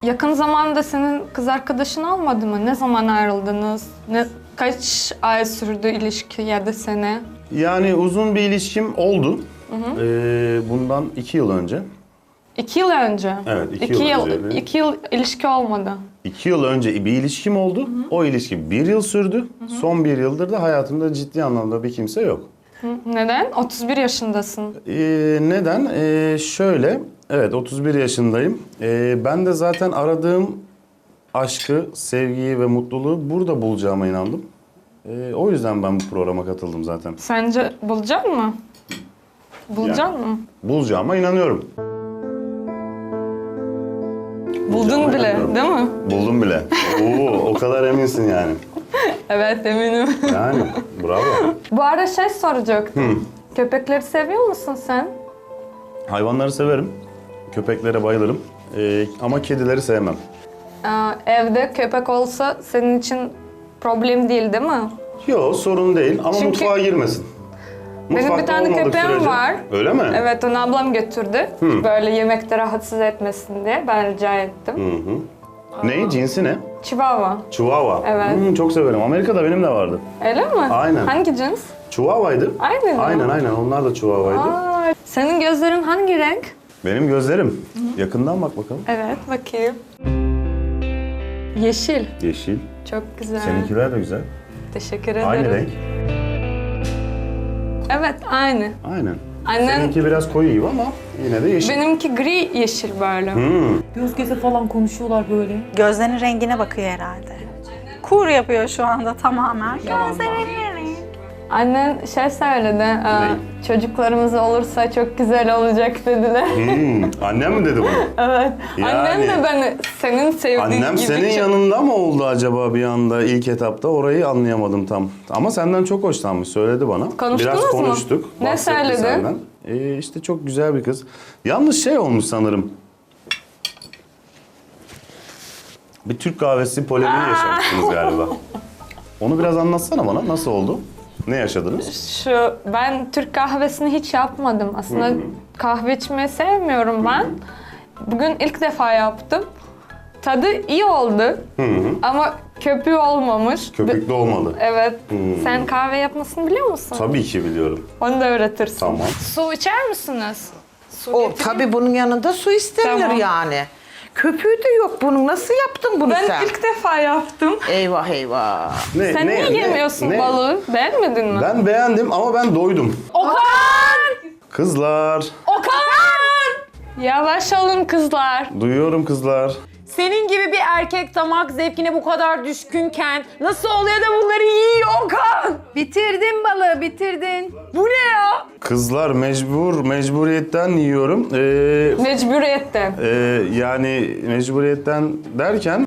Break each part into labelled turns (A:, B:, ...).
A: Yakın zamanda senin kız arkadaşın olmadı mı? Ne zaman ayrıldınız? Kaç ay sürdü ilişki ya da sene?
B: Yani uzun bir ilişkim oldu. Bundan 2 yıl önce.
A: 2 yıl önce?
B: Evet, 2 yıl önce.
A: 2 yıl ilişki olmadı.
B: 2 yıl önce bir ilişkim oldu. O ilişki 1 yıl sürdü. Son 1 yıldır da hayatımda ciddi anlamda bir kimse yok.
A: Neden? 31 yaşındasın.
B: Neden? Şöyle, evet 31 yaşındayım. Ben de zaten aradığım aşkı, sevgiyi ve mutluluğu burada bulacağıma inandım. O yüzden ben bu programa katıldım zaten.
A: Sence bulacak mı? Bulacak mı?
B: Bulacağıma inanıyorum.
A: Buldun bile, değil mi?
B: Buldum bile. Oo, o kadar eminsin yani.
A: Evet, eminim.
B: Yani, bravo.
A: Bu arada şey soracaktım. Köpekleri seviyor musun sen?
B: Hayvanları severim. Köpeklere bayılırım. Ama kedileri sevmem.
A: Evde köpek olsa senin için problem değil mi?
B: Yok, sorun değil ama
A: Çünkü
B: mutfağa girmesin.
A: Benim bir
B: Mutfakta
A: tane
B: olmadık
A: köpeğim
B: sürece.
A: var.
B: Öyle mi?
A: Evet, onu ablam götürdü. Böyle yemekte rahatsız etmesin diye ben rica ettim.
B: Ne? Cinsi ne?
A: Chihuahua.
B: Chihuahua.
A: Evet.
B: Çok severim. Amerika'da benim de vardı.
A: Öyle mi?
B: Aynen.
A: Hangi cins?
B: Chihuahua'ydı.
A: Aynı mı?
B: Aynen. Onlar da Chihuahua'ydı.
A: Senin gözlerin hangi renk?
B: Benim gözlerim. Yakından bak bakalım.
A: Evet, bakayım. Yeşil.
B: Yeşil.
A: Çok güzel.
B: Seninkiler de güzel.
A: Teşekkür ederim.
B: Aynı renk.
A: Evet, aynı.
B: Aynen.
A: Annen,
B: Seninki biraz koyu gibi ama yine de yeşil.
A: benimki gri yeşil böyle.
C: Göz göze falan konuşuyorlar böyle.
D: Gözlerinin rengine bakıyor herhalde. Kur yapıyor şu anda tamamen. Gözlerinin rengi.
A: Annen şey söyledi, çocuklarımız olursa çok güzel olacak dediler.
B: Annem mi dedi bunu?
A: Evet.
B: Yani-
A: Annem de beni senin sevdiğin
B: Annem
A: gibi
B: senin
A: çok-
B: yanında mı oldu acaba bir anda ilk etapta? Orayı anlayamadım tam. Ama senden çok hoşlanmış, söyledi bana.
A: Konuştunuz
B: Biraz
A: mu?
B: konuştuk.
A: Ne
B: bahsetti
A: söyledi?
B: senden. İşte çok güzel bir kız. Yalnız şey olmuş sanırım. Bir Türk kahvesi polemiği yaşamışsınız galiba. Onu biraz anlatsana bana. Nasıl oldu? Ne yaşadınız?
A: Ben Türk kahvesini hiç yapmadım. Aslında kahve içmeyi sevmiyorum ben. Bugün ilk defa yaptım. Tadı iyi oldu. Ama köpüğü olmamış.
B: Köpüklü olmadı.
A: Evet. Sen kahve yapmasını biliyor musun?
B: Tabii ki biliyorum.
A: Onu da öğretirsin.
B: Tamam.
A: Su içer misiniz? Su
E: O
A: getireyim.
E: tabii bunun yanında su istemiyor
A: Tamam.
E: yani. Köpüğü de yok bunun. Nasıl yaptın bunu
A: Ben
E: sen?
A: ilk defa yaptım.
E: Eyvah eyvah.
A: Sen niye yemiyorsun balığı? Beğenmedin mi?
B: Ben beğendim ama ben doydum.
A: Okan!
B: Kızlar.
A: Okan! Yavaş olun kızlar.
B: Duyuyorum kızlar.
C: Senin gibi bir erkek damak zevkine bu kadar düşkünken nasıl oluyor da bunları yiyor Okan?
F: Bitirdin balığı, bitirdin.
C: Bu ne ya?
B: Kızlar mecburiyetten yiyorum.
A: Mecburiyetten.
B: Yani mecburiyetten derken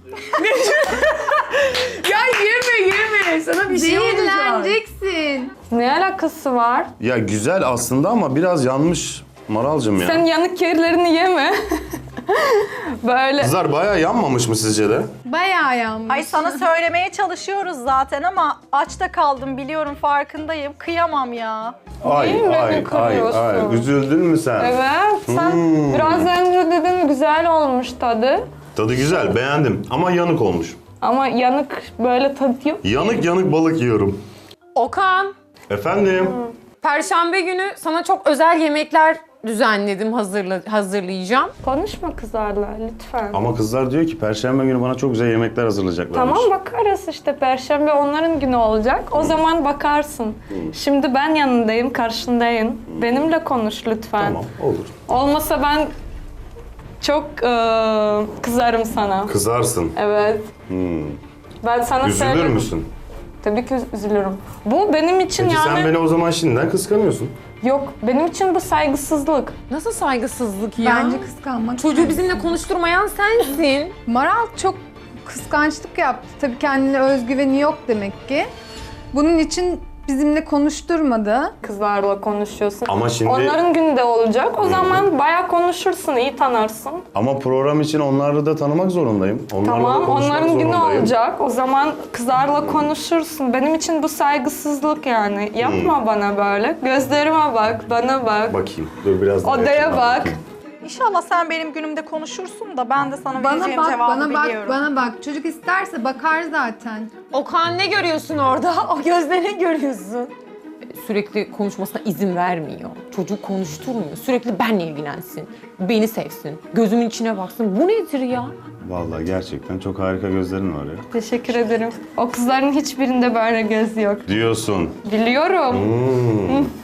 C: Ya yeme. Sana bir şey olacak.
F: Zehirleneceksin.
A: Ne alakası var?
B: ya güzel aslında ama biraz yanmış Maralcığım ya.
A: Sen yanık yerlerini yeme. Böyle.
B: Kızlar bayağı yanmamış mı sizce de?
F: Bayağı yanmış.
D: Ay sana söylemeye çalışıyoruz zaten ama aç da kaldım biliyorum farkındayım. Kıyamam ya.
A: Neyin beni kırıyorsun?
B: Üzüldün mü sen?
A: Evet, sen biraz önce dedin güzel olmuş tadı.
B: Tadı güzel, beğendim ama yanık olmuş.
A: Ama yanık böyle tadı yok.
B: Yanık balık yiyorum.
C: Okan,
B: Efendim?
C: Perşembe günü sana çok özel yemekler düzenledim, hazırlayacağım.
A: Konuşma kızlarla lütfen.
B: Ama kızlar diyor ki Perşembe günü bana çok güzel yemekler hazırlayacaklarmış.
A: Tamam bakarız işte Perşembe onların günü olacak. O zaman bakarsın. Şimdi ben yanındayım, karşındayım. Benimle konuş lütfen.
B: Tamam, olur.
A: Olmasa ben çok kızarım sana.
B: Kızarsın.
A: Evet. Ben sana
B: Üzülür
A: söyledim.
B: müsün?
A: Tabii ki üzülürüm. Bu benim için
B: Peki
A: yani...
B: sen beni o zaman şimdiden kıskanıyorsun.
A: Yok, benim için bu saygısızlık.
C: Nasıl saygısızlık ya?
F: Bence kıskanmak.
C: Çocuğu bizimle konuşturmayan sensin.
F: Maral çok kıskançlık yaptı. Tabii kendine özgüveni yok demek ki. Bunun için bizimle konuşturmadı.
A: Kızlarla konuşuyorsun.
B: Ama şimdi-
A: Onların günü de olacak. O zaman bayağı konuşursun, iyi tanırsın.
B: Ama program için onları da tanımak zorundayım. Onlarla da
A: Tamam,
B: konuşmak
A: onların günü
B: zorundayım.
A: olacak. O zaman kızlarla konuşursun. Benim için bu saygısızlık yani. Yapma bana böyle. Gözlerime bak, bana bak.
B: Bakayım. Dur biraz daha
A: Odaya
B: yakından
A: bak.
B: bakayım.
D: İnşallah sen benim günümde konuşursun da ben de sana
F: Bana
D: vereceğim
F: bak,
D: cevabı
F: bana bak,
D: biliyorum.
F: bana bak. Çocuk isterse bakar zaten.
C: Okan ne görüyorsun orada? O gözle ne görüyorsun? Sürekli konuşmasına izin vermiyor. Çocuğu konuşturmuyor. Sürekli benle ilgilensin. Beni sevsin. Gözümün içine baksın. Bu nedir ya?
B: Vallahi gerçekten çok harika gözlerin var ya.
A: Teşekkür ederim. O kızların hiçbirinde böyle göz yok.
B: Diyorsun.
A: Biliyorum.